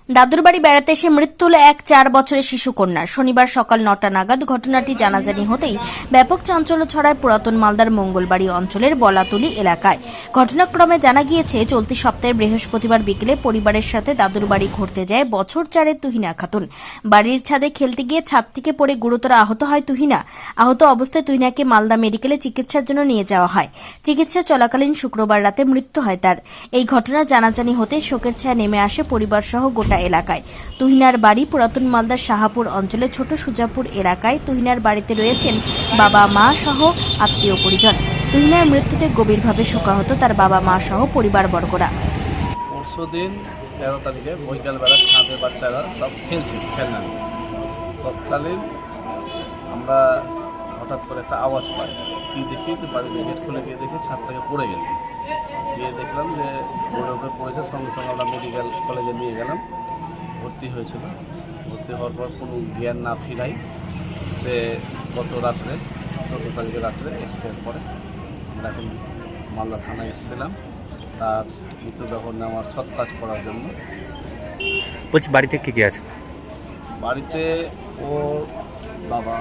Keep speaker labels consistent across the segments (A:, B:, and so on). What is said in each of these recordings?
A: দাদুর বাড়ি বেড়াতে এসে মৃত্যু হল এক 4 বছরের শিশু কন্যার। শনিবার সকাল 9টা নাগাদ ঘটনাটি জানাজানি হতেই ব্যাপক চাঞ্চল্য ছড়ায় পুরাতন মালদার মঙ্গলবাড়ি অঞ্চলের বলাতুলি এলাকায়। ঘটনাক্রমে জানা গিয়েছে, চলতি সপ্তাহে বৃহস্পতিবার বিকেলে পরিবারের সাথে দাদুর বাড়ি ঘুরতে যায় বছর 4-এর তুহিনা খাতুন। বাড়ির ছাদে খেলতে গিয়ে ছাদ থেকে পড়ে গুরুতর আহত হয় তুহিনা। আহত অবস্থায় তুহিনাকে মালদা মেডিকেলে চিকিৎসার জন্য নিয়ে যাওয়া হয়। চিকিৎসা চলাকালীন শুক্রবার রাতে মৃত্যু হয় তার। এই ঘটনা জানাজানি হতে শোকের ছায়া নেমে আসে পরিবার সহ গোটা এলাকায়। তুহিনার বাড়ি পুরাতন মালদার শাহাপুর অঞ্চলে ছোট সুজাপুর এলাকায়। তুহিনার বাড়িতে রয়েছেন বাবা মা সহ আত্মীয় পরিজন। তুহিনার মৃত্যুতে গভীরভাবে শোকাহত তার বাবা মা সহ পরিবারবর্গরা।
B: পরশুদিন 13 তারিখে বৈকালবেলা ছাদে বাচ্চারা সব খেলছিল, খেলনা তৎকালীন আমরা হঠাৎ করে একটা আওয়াজ পাই। কি দেখি যে বাড়ির গেট খুলে গিয়ে দেখি ছাদ থেকে পড়ে গেছে। গিয়ে দেখলাম যে পড়ে উপরে পড়েছে। সঙ্গে সঙ্গে আমরা মেডিকেল কলেজে নিয়ে গেলাম, ভর্তি হয়েছিল। ভর্তি হওয়ার পর কোনো জ্ঞান না ফিরাই সে গত রাত্রে 14 তারিখে রাত্রে এক্সপায়ার করে। আমরা এখন মালদা থানায় এসেছিলাম তার মৃতদেহ নেওয়ার সৎ কাজ করার জন্য।
C: বলছি বাড়িতে কে কে আছে?
B: বাড়িতে ওর বাবা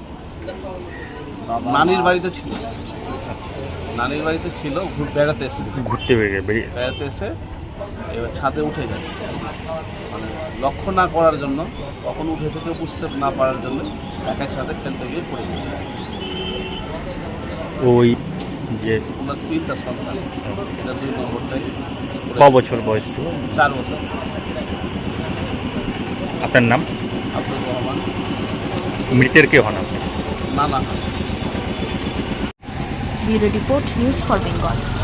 B: নানির বাড়িতে ছিল, নানির বাড়িতে ছিল, বেড়াতে এসেছিল,
C: ঘুরতে
B: বেড়াতে এসে এবার ছাদে উঠে যায়, মানে লক্ষ্য না করার জন্য, কখন উঠে থেকে বুঝতে না পারার জন্য একা ছাদে খেলতে গিয়ে পড়ে যায়।
C: ওই যে
B: ওনার 3টা সন্তান, এটা 2 নম্বরটাই।
C: ক বছর বয়স ছিল?
B: 4 বছর।
C: আপনার নাম?
B: আব্দুর রহমান।
C: মৃতের কে হন আপনি?
B: না।
A: Bureau report, news for Bengal.